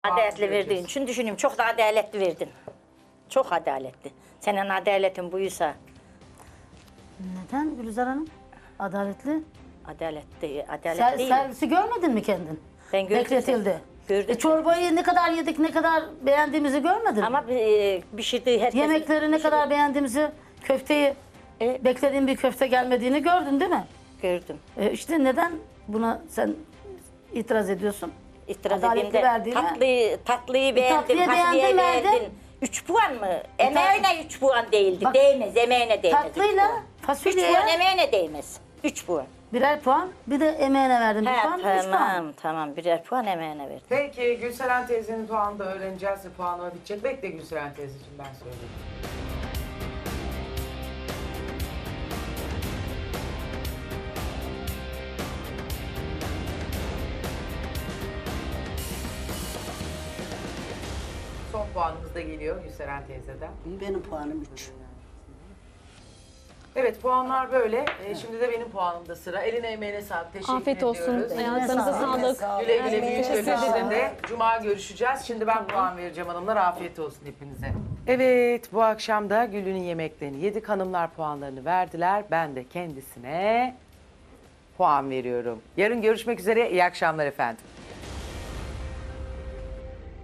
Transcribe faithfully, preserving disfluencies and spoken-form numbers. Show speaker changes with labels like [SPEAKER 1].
[SPEAKER 1] Adaletli verdiğin için düşünüyorum. Çok da adaletli verdin. Çok adaletli. Senin adaletin buysa.
[SPEAKER 2] Neden Gülizar Hanım? Adaletli.
[SPEAKER 1] Adaletli,
[SPEAKER 2] Ser,
[SPEAKER 1] adalet değil.
[SPEAKER 2] servisi görmedin mi kendin?
[SPEAKER 1] Ben gördüm.
[SPEAKER 2] Bekletildi.
[SPEAKER 1] Gördüm.
[SPEAKER 2] E, çorbayı ne kadar yedik, ne kadar beğendiğimizi görmedin mi?
[SPEAKER 1] Ama e, pişirdiği herkes...
[SPEAKER 2] Yemekleri ne kadar beğendiğimizi, köfteyi,
[SPEAKER 1] E,
[SPEAKER 2] beklediğin bir köfte gelmediğini gördün değil mi?
[SPEAKER 1] gördüm.
[SPEAKER 2] E, işte neden buna sen itiraz ediyorsun?
[SPEAKER 1] İtiraz
[SPEAKER 2] Adaletli
[SPEAKER 1] edeyim de
[SPEAKER 2] verdiğine-
[SPEAKER 1] tatlıyı, tatlıyı beğendim,
[SPEAKER 2] tatlıyı
[SPEAKER 1] tatlıyı
[SPEAKER 2] beğendin, verdin.
[SPEAKER 1] beğendin. Üç puan mı? Emeğine üç puan değildi.
[SPEAKER 2] Bak,
[SPEAKER 1] değmez, emeğine değmez. üç
[SPEAKER 2] Tatlıyla
[SPEAKER 1] puan. Üç
[SPEAKER 2] fasulyeye
[SPEAKER 1] puan emeğine değmez. Üç puan.
[SPEAKER 2] birer puan, bir de emeğine verdim bir
[SPEAKER 1] He,
[SPEAKER 2] puan, üç puan.
[SPEAKER 1] tamam, tamam. Birer puan emeğine verdim.
[SPEAKER 3] Peki Gülseren teyzenin puanını da öğreneceğiz ve puanlama bitecek. Bekle Gülseren teyzeciğim, ben söyleyeyim. Son puanımız da geliyor Gülseren teyzeden.
[SPEAKER 4] Benim puanım üç.
[SPEAKER 3] Evet, puanlar böyle. Ee, şimdi de benim puanımda sıra. Eline emeğine sağlık. Teşekkür
[SPEAKER 5] Afiyet olsun.
[SPEAKER 3] ediyoruz.
[SPEAKER 5] Ayaklarınıza
[SPEAKER 2] sağlık.
[SPEAKER 5] sağlık.
[SPEAKER 3] Güle güle büyük
[SPEAKER 5] Teşekkür
[SPEAKER 3] bölüşte
[SPEAKER 5] ederim.
[SPEAKER 3] de Cuma görüşeceğiz. Şimdi ben puan vereceğim hanımlar. Afiyet olsun hepinize. Evet, bu akşam da Gül'ün yemeklerini yedik. Hanımlar puanlarını verdiler. Ben de kendisine puan veriyorum. Yarın görüşmek üzere. İyi akşamlar efendim.